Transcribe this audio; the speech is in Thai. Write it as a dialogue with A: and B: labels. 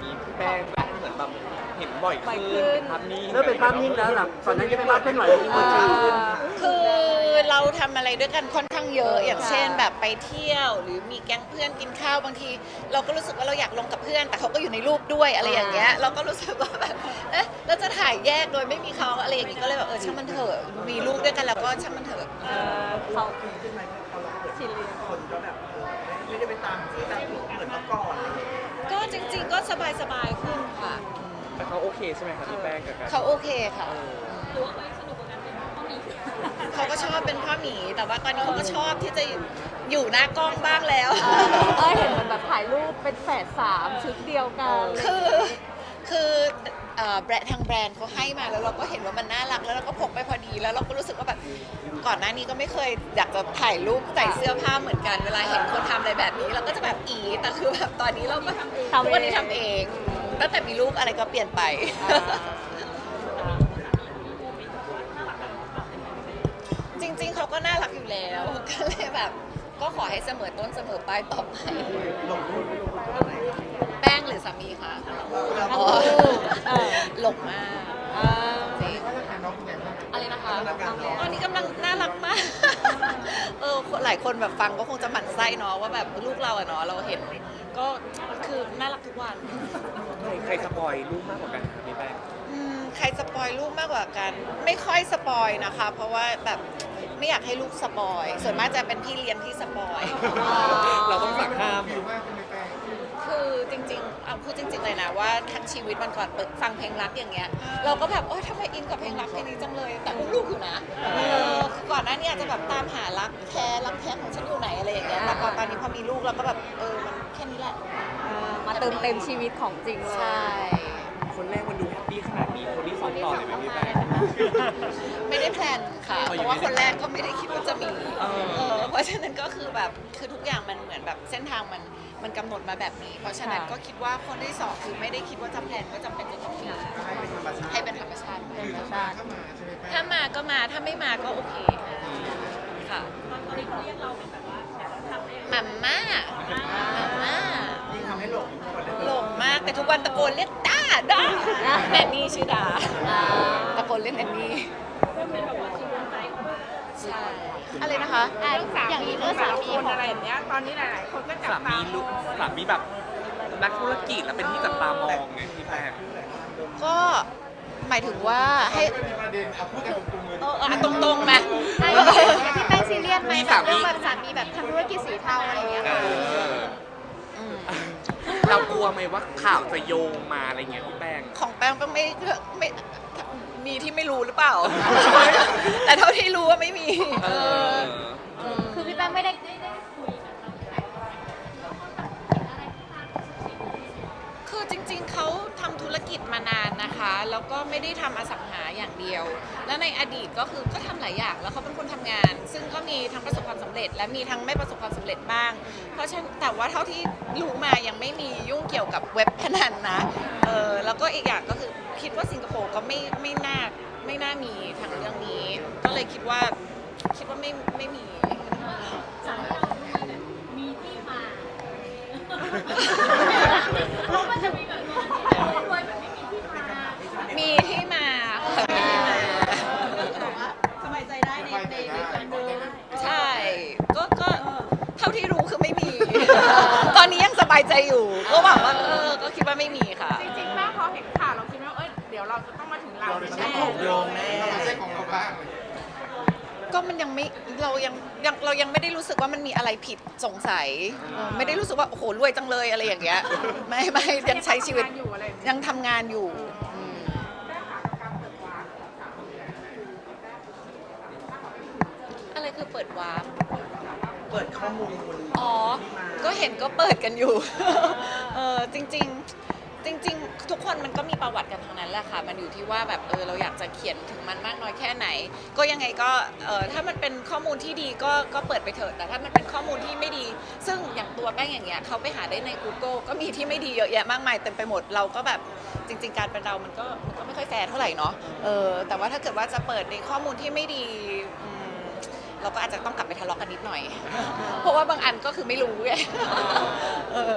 A: มีพี่แป้งแบบเหมือนแบบเห็นบ่อย
B: บ่อยขึ้
A: ขึ้น
B: น
A: ภาพนิ่ง
C: เริ่มเป็นภาพนิ่งแล้วหลังก่อนหนั้นจะเป็นภาพเคลื่อนไหวที่มันชัดขึ้น
B: คือเราทำอะไรด้วยกันค่อนข้างเยอะ อย่างเช่นแบบไปเที่ยว หรือมีแก๊งเพื่อนกินข้าวบางที เราก็รู้สึกว่าเราอยากลงกับเพื่อน แต่เขาก็อยู่ในรูปด้วยอะไรอย่างเงี้ยเราก็รู้สึกว่าแบบเอ๊ะเราจะถ่ายแยกโดยไม่มีเขาอะไรอย่างงี้ก็เลยแบบช่างมันเถอะมีลูกด้วยกันแล้วก็ช่างมันเถอะ
D: เขาขึ้นไหมพอเราเปิดคนก็แบบไม่ได้ไปตามที่แบบเหมือนเมื่อก่อนอะไรอย่างเงี้ย
B: ก็จริงๆก็สบายๆขึ้นค่ะ
A: แต่เขาโอเคใช่ไหมครับพี่แป้งกับการ
B: เขาโอเคค่ะ
E: หรือว่าไปสนุกกับการเป็นพ่อหมี
B: เขาก็ชอบเป็นพ่อหมี แต่ว่าตอนนี้เขาก็ชอบที่จะอยู่หน้ากล้องบ้างแล้ว
E: เห็นมันแบบถ่ายรูปเป็นแฝด3ชุดเดียวกัน
B: คือแบรนด์ทางแบรนด์เขาให้มาแล้วเราก็เห็นว่ามันน่ารักแล้วเราก็พกไปพอดีแล้วเราก็รู้สึกว่าแบบก่อนหน้านี้ก็ไม่เคยอยากจะถ่ายรูปใส่เสื้อผ้าเหมือนกันเวลาเห็นคนทำอะไรแบบนี้เราก็จะแบบแต่คือแบบตอนนี้เราก็ทุกวันนี้ทำเองตั้งแต่มีลูกอะไรก็เปลี่ยนไป จริงๆเขาก็น่ารักอยู่แล้ว ก็เลยแบบก็ขอให้เสมอต้นเสมอปลายต่อไป
D: หลงรูปไม่รู้ว่าอะไร
B: แป้งหรือสามีคะ
D: เรา
B: อ๋อหลงมากจริง อะไรนะคะ ตอนนี้กำลังน่ารักมาก หลายคนแบบฟังก็คงจะหมั่นไส้เนาะว่าแบบลูกเราอะเนาะเราเห็นก็คือน่ารักทุกวัน
A: ใครสปอยลูกมากกว่ากันครับพี่แป้ง
B: ใครสปอยลูกมากกว่ากัน ไม่ค่อยสปอยนะคะ เพราะว่าแบบไม่อยากให้ลูกสปอยส่วนมากจะเป็นพี่เลี้ยงที่สปอย
A: เราต้องสั่งห้าม
B: คือจริงๆเอาพูดจริงๆเลยนะว่าทั้งชีวิตมันก่อนเปิดฟังเพลงรักอย่างเงี้ยเราก็แบบทำไมอินกับเพลงรักเพลงนี้จังเลยแต่อุ้มลูกอยู่นะคือก่อนหน้านี้อาจจะแบบตามหารักแท้ของฉันอยู่ไหนอะไรอย่างเงี้ยแต่พอตอนนี้พอมีลูกเราก็แบบมันแค่นี้แหละ
E: มาเติมเต็มชีวิตของจริงเลย
B: ใช่
A: คนแรกมันดูแฮปปี้ขนาดนี้คนที่สองต่อเลยไหมพี่แป้ง
B: ไม่ได้แพลนค่ะ เพราะว่าคนแรกก็ไม่ได้คิดว่าจะมี เพราะฉะนั้นก็คือแบบคือทุกอย่างมันเหมือนแบบเส้นทางมันกำหนดมาแบบนี้ เพราะฉะนั้นก็คิดว่าคนที่สองคือไม่ได้คิดว่าจะแพลนว่าจำเป็นจะต้องมี
D: ให้เป็นธรรมชาติ
B: ให้เป็นธรรมชาติถ้ามาก็มาถ้าไม่มาก็โอเคค่ะมัมม่ามัมม่า
D: ยิ่งทำให้หลงกว่าเดิม
B: หลงมากแต่ทุกวันตะโกนเรียกด้าแนนนี่ชื่อดาตะโกนเรียกแนนนี่ใช่อะไรนะคะ
E: อย่างนี้เรื่องสามี
F: คนอะไรอย่างเงี้ย ตอนนี้หลาย ๆ คนก็จับ
A: สา
F: ตา
A: มี
F: ม
A: ลูก
F: อง
A: สามีแบบนักธุรกิจแล้วเป็นที่จับตามองไงพี่แป้ง
B: ก็หมายถึงว่าให้
D: พูดกันตรงๆเลย
B: ตรงๆมา
E: พี่แป้งซีเรียสไหมแบบเรื่องแบบสามีแบบทำธุรกิจสีเทาอะไรอย่างเงี้ย
A: เรากลัวไหมว่าข่าวจะโยงมาอะไรเงี้ยพี่แป้ง
B: ของแป้งก็ไม่มีที่ไม่รู้หรือเปล่า แต่เท่าที่รู้ว่าไม่มี
E: คือพี่แป้งไม่ได้
B: คือจริงๆ เขาทำธุรกิจมานานนะคะ แล้วก็ไม่ได้ทำอสังหาอย่างเดียว แล้วในอดีตก็คือก็ทำหลายอย่าง แล้วเขาเป็นคนทำงาน ซึ่งก็มีทั้งประสบความสำเร็จ และมีทั้งไม่ประสบความสำเร็จบ้าง เพราะฉะนั้นแต่ว่าเท่าที่รู้มายังไม่มียุ่งเกี่ยวกับเว็บพนันนะ แล้วก็อีกอย่างก็คือคิดว่าสิงคโปร์ก็ไม่น่ามีทางเรื่องนี้ ก็เลยคิดว่าไม่มี
E: มีที่มาเพราะมันจะมีแบบรวยแบบไม่มีที่มา
B: มีที่มาค่ะมีที่มา
F: สบายใจได้ในคนเดิม
B: ใช่ก็เท่าที่รู้คือไม่มี ตอนนี้ยังสบายใจอยู่ ก็หวังว่าก็คิดว่าไม่มีค่ะ
F: จริงๆแม่พอเห็นข่าวเราคิดว่าเดี๋ยวเราจะต้องมาถึงเราแน่
D: ถูกโยงแน่
B: ก็มันยังไม่เรายังไม่ได้รู้สึกว่ามันมีอะไรผิดสงสัยไม่ได้รู้สึกว่าโอ้โหรวยจังเลยอะไรอย่างเงี้ยไม่ยังใช้ชีวิต
F: อยู่อะไรอย่างเงี้ย
B: ยังทำงานอยู่อะไรคือเปิดวาร์ป
D: เปิดข้อมูล
B: อ๋อ ก็เห็นก็เปิดกันอยู่ จริงทุกคนมันก็มีประวัติกันทั้งนั้นแหละค่ะ มันอยู่ที่ว่าแบบเราอยากจะเขียนถึงมันมากน้อยแค่ไหน ก็ยังไงก็ถ้ามันเป็นข้อมูลที่ดีก็เปิดไปเถอะ แต่ถ้ามันเป็นข้อมูลที่ไม่ดี ซึ่งอย่างตัวแป้งอย่างเงี้ยเขาไปหาได้ใน Google ก็มีที่ไม่ดีเยอะแยะมากมายเต็มไปหมด เราก็แบบจริง ๆ การเป็นเรามันก็ไม่ค่อยแฟร์เท่าไหร่เนาะ แต่ว่าถ้าเกิดว่าจะเปิดในข้อมูลที่ไม่ดีเราก็อาจจะต้องกลับไปทะเลาะกันนิดหน่อย เพราะว่าบางอันก็คือไม่รู้ไง